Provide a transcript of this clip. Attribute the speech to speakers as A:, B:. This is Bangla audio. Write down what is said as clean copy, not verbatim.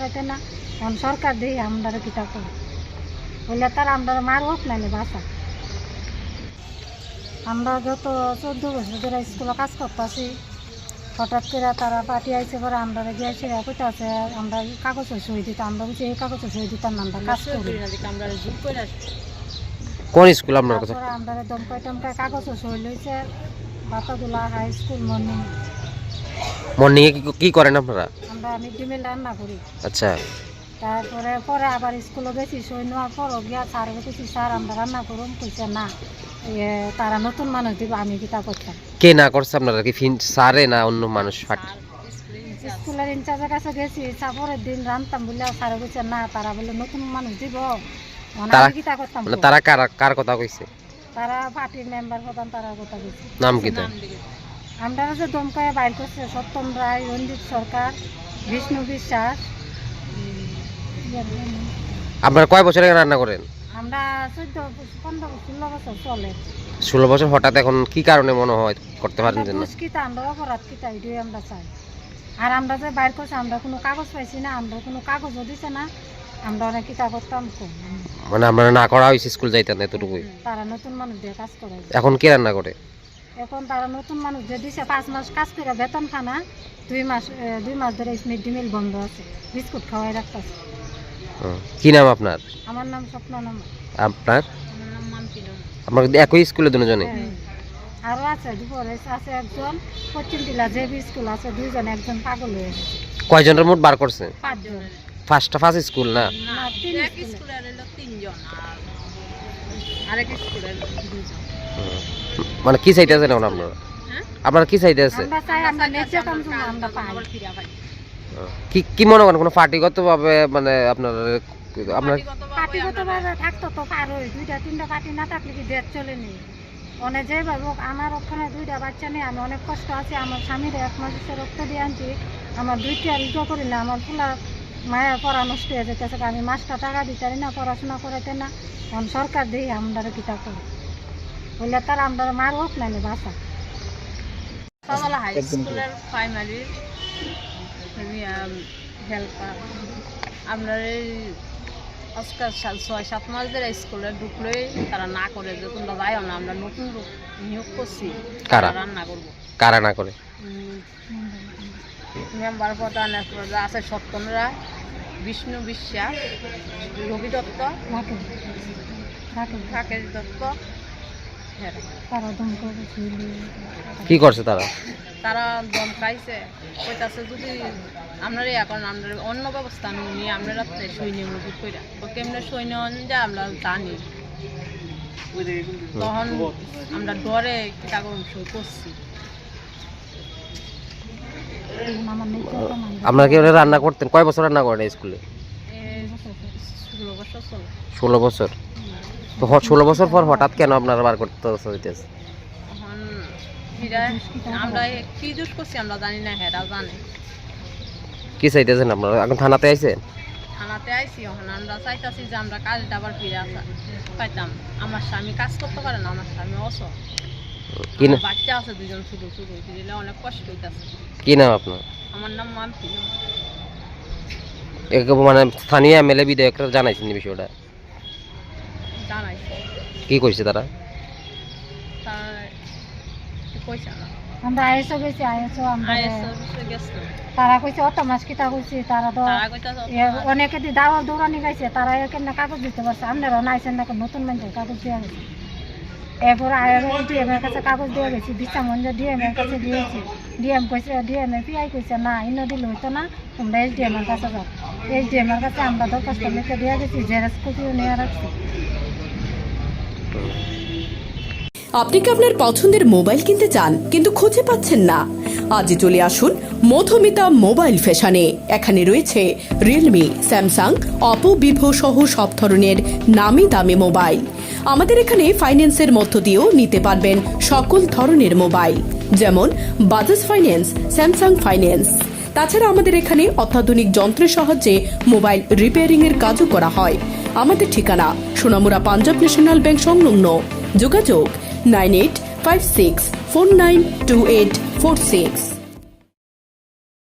A: করাইতে না। এখন সরকার দিয়ে আমরা কিতা করি বললে তার আমরা মার হোক নাইলে বাসা। আমরা যত 14 বছর ধরে স্কুলে কাজ করতেছি, হঠাৎ করে তারা পার্টি আইসে পরে আমরা গিয়েছি কইতে আছে আমরা কাগজে সই দিতে, আমরা বুঝি এই কাগজে সই দিতাম না, আমরা কাজ করি।
B: কোন স্কুল আপনার কাছে?
A: আমরা দমকাই টমকাই কাগজে সই লইছে। বাতাগুলা হাই স্কুল
B: মর্নিং এ কি করেন আপনারা?
A: আমরা মিড ডে মিল রান্না করি।
B: আচ্ছা,
A: তারপরে পরে আবার স্কুলে গেছি, সই নেওয়ার পরও গিয়া স্যার গেছি, স্যার আমরা রান্না করুন, কইছে না তারা নতুন মানুষ দিব, আমি কিতা করতাম।
B: কে না করছে আপনারা? কি স্যারে না অন্য মানুষ?
A: স্কুলের ইনচার্জের কাছে গেছি, পরের দিন রান্তাম বলে স্যার কইছে না তারা বলে নতুন মানুষ দিব, আমি কিতা করতাম।
B: তারা কার কথা কইছে?
A: তারা পার্টির মেম্বার প্রধান, তারা কথা কইছে।
B: নাম কি তো?
A: আমরা যে দমকায় বাইর করছে সত্যম রায়, রঞ্জিত সরকার, বিষ্ণু বিশ্বাস।
B: আপনারা কয় বছর আগে রান্না করেন?
A: আমরা 14, 15, 16 বছর চলে।
B: 16 বছর। হঠাৎ এখন কি কারণে মনে হয় করতে পারেন না?
A: মুশকিল আমরা অপরাধ কিতা এটাই আমরা চাই। আর আমরা যে বাইর করছি আমরা কোনো কাগজ পাইছি না, আমরা কোনো কাগজও দিছে না, আমরা অনেক কিতা করতাম।
B: মানে আমরা না করা হয়েছে, স্কুল যাইতেন এতটুকুই।
A: তারা নতুন মানুষ দিয়ে কাজ করে।
B: এখন কে রান্না করে?
A: এখন তারা নতুন মানুষ যে দিছে 5 মাস কাজ করে বেতন খানা, 2 মাস ধরে মিড ডে মিল বন্ধ আছে, বিস্কুট খাওয়াই রাখতেছে।
B: কি নাম আপনার?
A: আমার নাম স্বপ্ননাম।
B: আপনার?
A: আমার নাম মাম্পিনা।
B: আমরা একই স্কুলে দুজনে?
A: আরো আছে, দুপুরে আছে একজন, পশ্চিম টিলা যে স্কুল আছে 2 জন, একজন পাগল হয়ে গেছে।
B: কয়জনের মোট বার করছে?
A: 5 জন।
B: ফার্স্ট স্কুল না?
A: না, 3 স্কুলের হলো 3 জন, আর আরেক স্কুলের 2 জন।
B: মানে কি চাইতে আছেন এখন আপনারা? আপনারা কি চাইতে আছে?
A: আমরা চাই আমরা নেচে কাম আমরা পাই।
B: কি মনে করেন কোন পার্টিগত ভাবে মানে আপনার
A: পার্টিগতভাবে থাকতো তো পারোই, 2টা 3টা পার্টি না থাকলে কি দেশ চলেনি। অনেক যেভাবে আমার ওখানে 2টা বাচ্চা নিয়ে আমি অনেক কষ্ট আছি, আমার স্বামীর 1 মাসের রক্ত দিয়ে আনছি, আমার 2টা রিটো করি না, আমার ফুলা মায়ের পড়া নষ্ট হয়ে যেতেছে, আমি মাসটা টাকা দিতে পারি না, পড়াশোনা করাইতে না। এখন সরকার দিয়ে আমরা কিতা করি বললে তার আমরা মার হোক নাইলে বাসা। হাই স্কুলের প্রাইমারি হেল্পার আমরা এই আজকাল 6-7 মাস ধরে স্কুলে ঢুকলেই তারা না করে যে তোমরা যাইও না, আমরা নতুন নিয়োগ করছি, রান্না করবো।
B: কারা না করে?
A: মেম্বার প্রধান আছে সত্যম রায়, বিষ্ণু বিশ্বাস, রবি দত্ত, রাকেশ দত্ত।
B: কি করছে তারা?
A: তারা দমকাইছে, কইতাছে যদি আমরা এখন আমরা অন্য ব্যবস্থা নিয়ে আমরা রাত্রে সৈন্য মজুদ কইরা তো কেমনে সৈন্য যা আমরা জানি, তখন আমরা ডরে কাগজ সই করছি।
B: আপনারা কি রান্না করতেন? কয় বছর রান্না করেন স্কুলে?
A: 16 বছর চলে।
B: 16 বছর। তো 16 বছর পর হঠাৎ কেন আপনারা বার করতে হইতেছে?
A: আমরা কি দোষ করছি আমরা জানি না, হেরা জানে।
B: কি চাইতেছেন আপনারা? এখন থানাতে আইছেন?
A: থানাতে আইছি, এখন আমরা চাইতাছি যে আমরা কাজটা আবার ফিরে আসা পাইতাম। আমার স্বামী কাজ করতে পারে না, আমার স্বামী অসুখ, বাচ্চা আছে 2 জন, ছোট ছোট, দিলে অনেক কষ্ট হইতাছে।
B: কি নাম আপনার?
A: আমার নাম মাম্পিনা।
B: মানে স্থানীয় এমএলএ বিধায়করা জানাইছেন এই বিষয়টা?
A: জানাইছে।
B: কি কইছে তারা?
A: আমরা আইসো গেছি, তারা কইছে অত মাস কিতা কইছি, তারা তো অনেকে দাওয়া দৌড়ানি গাইছে, তারা কেন কাগজ দিতে পারছে, আপনারা নাইছেন না, নতুন মানুষের কাগজ দেওয়া গেছে। এরপরে ডিএমের কাছে কাগজ দেওয়া গেছি, বিচামঞ্জ ডিএমের কাছে দিয়েছি, ডিএম কইছে, ডিএমএ পিআই কইছে না ইন্ন দিলে হইতো না, তোমরা এসডিএমের কাছে যাও। এসডিএমের কাছে আমরা দরখাস্ত লিখে দেওয়া গেছি, জেরক্স কপিও নিয়ে রাখছি।
C: আপনি কি আপনার পছন্দের মোবাইল কিনতে চান কিন্তু খুঁজে পাচ্ছেন না? আজই চলে আসুন মধুমিতা মোবাইল ফ্যাশনে। এখানে রয়েছে রিয়েলমি, স্যামসাং, অপো, ভিভো সহ সব ধরনের নামি দামি মোবাইল। আমাদের এখানে ফাইন্যান্সের মধ্য দিয়েও নিতে পারবেন সকল ধরনের মোবাইল, যেমন বাজাজ ফাইন্যান্স, স্যামসাং ফাইন্যান্স। তাছাড়া আমাদের এখানে অত্যাধুনিক যন্ত্রের সাহায্যে মোবাইল রিপেয়ারিং এর কাজও করা হয়। আমাদের ঠিকানা সোনামুড়া পাঞ্জাব ন্যাশনাল ব্যাংক সংলগ্ন। যোগাযোগ 9856492846।